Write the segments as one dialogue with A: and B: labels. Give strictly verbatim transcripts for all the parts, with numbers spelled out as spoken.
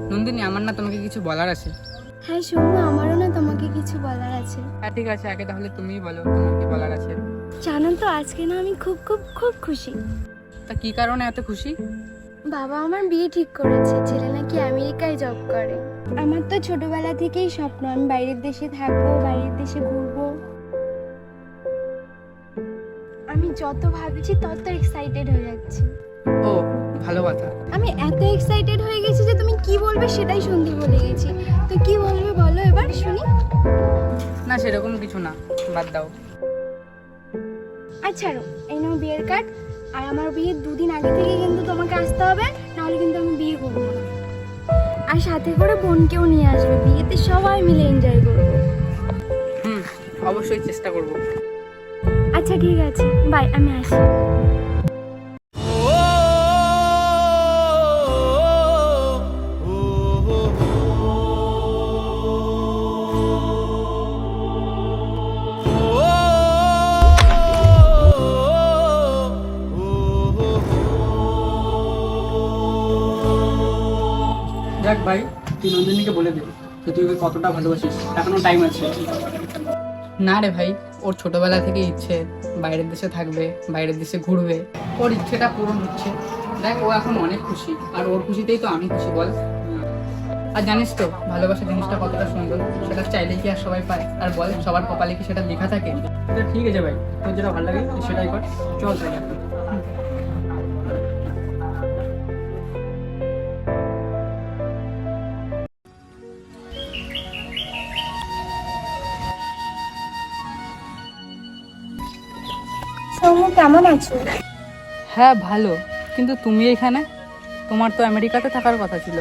A: নন্দিনী, আমার না তোমাকে কিছু বলার আছে।
B: হ্যাঁ সৌম্য, আমারও না তোমাকে কিছু বলার আছে।
A: হ্যাঁ ঠিক আছে, আগে তাহলে তুমিই বলো তোমার কি বলার আছে।
B: জানো তো আজকে না আমি খুব খুব খুব খুশি।
A: তা কি কারণে এত খুশি?
B: বাবা আমার বিয়ে ঠিক করেছে, ছেলে নাকি আমেরিকায় জব করে। আমার তো ছোটবেলা থেকেই স্বপ্ন আমি বাইরের দেশে থাকবো, বাইরের দেশে ঘুরবো। আমি যত ভাবছি তত এক্সাইটেড হয়ে যাচ্ছি।
A: ও ভালো কথা।
B: আমি এত এক্সাইটেড হয়ে গেছি যে তুমি কি বলবে সেটাই শুনতে বলে গেছি। তো কি বলবে বলো এবার শুনি।
A: না সেরকম কিছু না, বাদ দাও।
B: আচ্ছা এই নাও বিয়ের কার্ড। আর আমার বিয়ের দুদিন আগে থেকে কিন্তু তোমাকে আসতে হবে, নাহলে কিন্তু আমি বিয়ে করবো না। আর সাথে করে বোনকেও নিয়ে আসবে, বিয়েতে সবাই মিলে এনজয় করবো।
A: হুম, অবশ্যই চেষ্টা করব।
B: আচ্ছা ঠিক আছে, বাই, আমি আসি।
A: দেখ ভাই, তুই নন্দিনীকে বলে দে যে তুই ওকে কতটা ভালোবাসিস, এখনো টাইম আছে। না রে ভাই, ওর ছোটবেলা থেকে ইচ্ছে বাইরের দেশে থাকবে, বাইরের দেশে ঘুরবে, ওর ইচ্ছেটা পূরণ হচ্ছে। দেখ ও এখন অনেক খুশি, আর ওর খুশিতেই তো আমি খুশি, বল। আর জানিস তো ভালোবাসা জিনিসটা কতটা সুন্দর, সেটা চাইলে কি আর সবাই পায়? আর বল, সবার কপালে কি সেটা লেখা থাকে? ঠিক আছে ভাই, তোর যেটা ভালো লাগে তুই সেটাই কর, চল তাহলে।
B: সৌম্য কেমন আছো?
A: হ্যাঁ ভালো, কিন্তু তুমি এখানে? তোমার তো আমেরিকাতে থাকার কথা ছিল।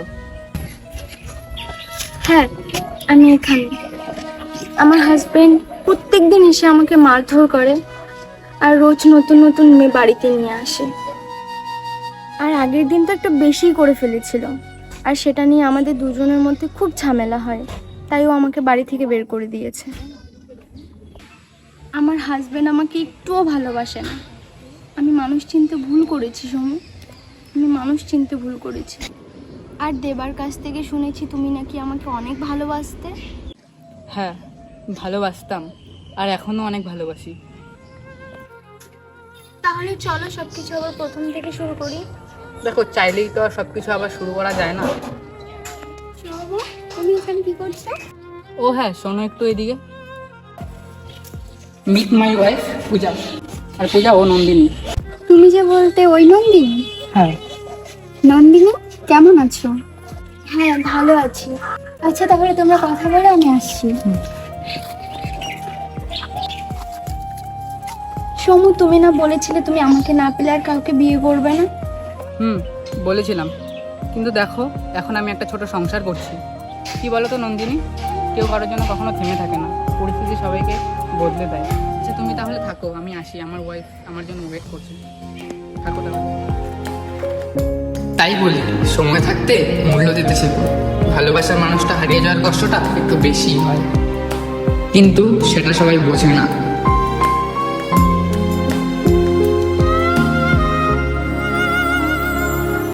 B: হ্যাঁ আমি এখানে। আমার হাজবেন্ড প্রত্যেক দিন এসে আমাকে মারধর করে, আর রোজ নতুন নতুন মেয়ে বাড়িতে নিয়ে আসে। আর আগের দিন তো একটা বেশি করে ফেলেছিল, আর সেটা নিয়ে আমাদের দুজনের মধ্যে খুব ঝামেলা হয়, তাই ও আমাকে বাড়ি থেকে বের করে দিয়েছে। আমার হাজবেন্ড আমাকে একটুও ভালোবাসে না। আমি মানুষ চিনতে ভুল করেছি সোমু, আমি মানুষ চিনতে ভুল করেছি। আর দেবার কাছ থেকে শুনেছি তুমি নাকি আমাকে অনেক ভালোবাসতে।
A: হ্যাঁ ভালোবাসতাম, আর এখনো অনেক ভালোবাসি।
B: তাহলে চলো সবকিছু আবার প্রথম থেকে শুরু করি।
A: দেখো, চাইলেই তো আর সবকিছু আবার শুরু করা যায় না।
B: শোনো, তুমি এখানে কি করছো?
A: ও হ্যাঁ, শোনো একটু এদিকে। Meet my wife Puja. আর পূজা ও নন্দিনী।
B: তুমি যে বলতে ওই নন্দিনী?
A: হ্যাঁ।
B: নন্দিনী কেমন আছো? হ্যাঁ ভালো আছি। আচ্ছা তাহলে তোমরা কথা বলে, আমি আসছি। সমু, তুমি না বলেছিলে তুমি আমাকে না পেলে আর কাউকে বিয়ে করবে না?
A: হুম বলেছিলাম, কিন্তু দেখো এখন আমি একটা ছোট সংসার করছি। কি বলো তো নন্দিনী, কেউ কারোর জন্য কখনো থেমে থাকে না, পরিস্থিতি সবাইকে বদলে দেয়। আচ্ছা তুমি তাহলে থাকো, আমি আসি, আমার ওয়াইফ আমার জন্য ওয়েট করছে। থাকো তাহলে। তাই বলি, সময় থাকতে মূল্য দিতে শেখো। ভালোবাসার মানুষটা হারিয়ে যাওয়ার কষ্টটা একটু বেশি হয়, কিন্তু সেটা সবাই বোঝে না।